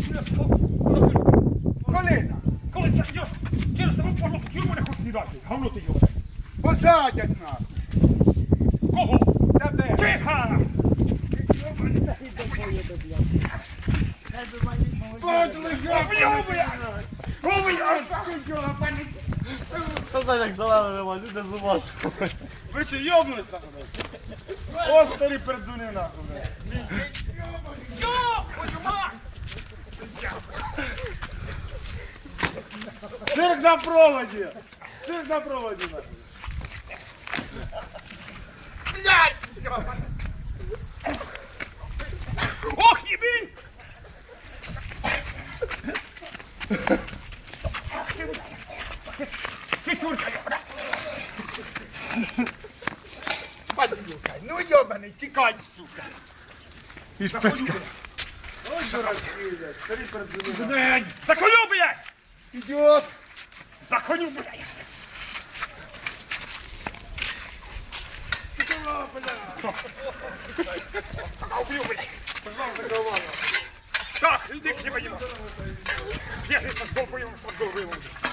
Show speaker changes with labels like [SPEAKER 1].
[SPEAKER 1] Коли?
[SPEAKER 2] Коли це йо, через саму порлуху, чому не хочеш сідати? Гавно ти йо.
[SPEAKER 1] Посадять нас.
[SPEAKER 2] Кого?
[SPEAKER 1] Тебе.
[SPEAKER 2] Тиха!
[SPEAKER 3] Та так як зелено нема, люди з ума.
[SPEAKER 1] Ви чи йобнулись нахуй? О, старі пердуни нахуй.
[SPEAKER 2] Йо, твою мать!
[SPEAKER 1] Цирк на проводі. Цирк на проводі нахуй.
[SPEAKER 2] Блядь! Ох, ебень! Ты сурка,
[SPEAKER 1] Ну йобаний, тікай, сука.
[SPEAKER 3] Із печка.
[SPEAKER 1] Ой, що розкидять, старі пердуни.
[SPEAKER 2] блядь! За коню, блядь!
[SPEAKER 1] Ідіот.
[SPEAKER 2] За коню, блядь! Сука, убью, блядь! Так, иди к нему. Съехай с головы, с головы.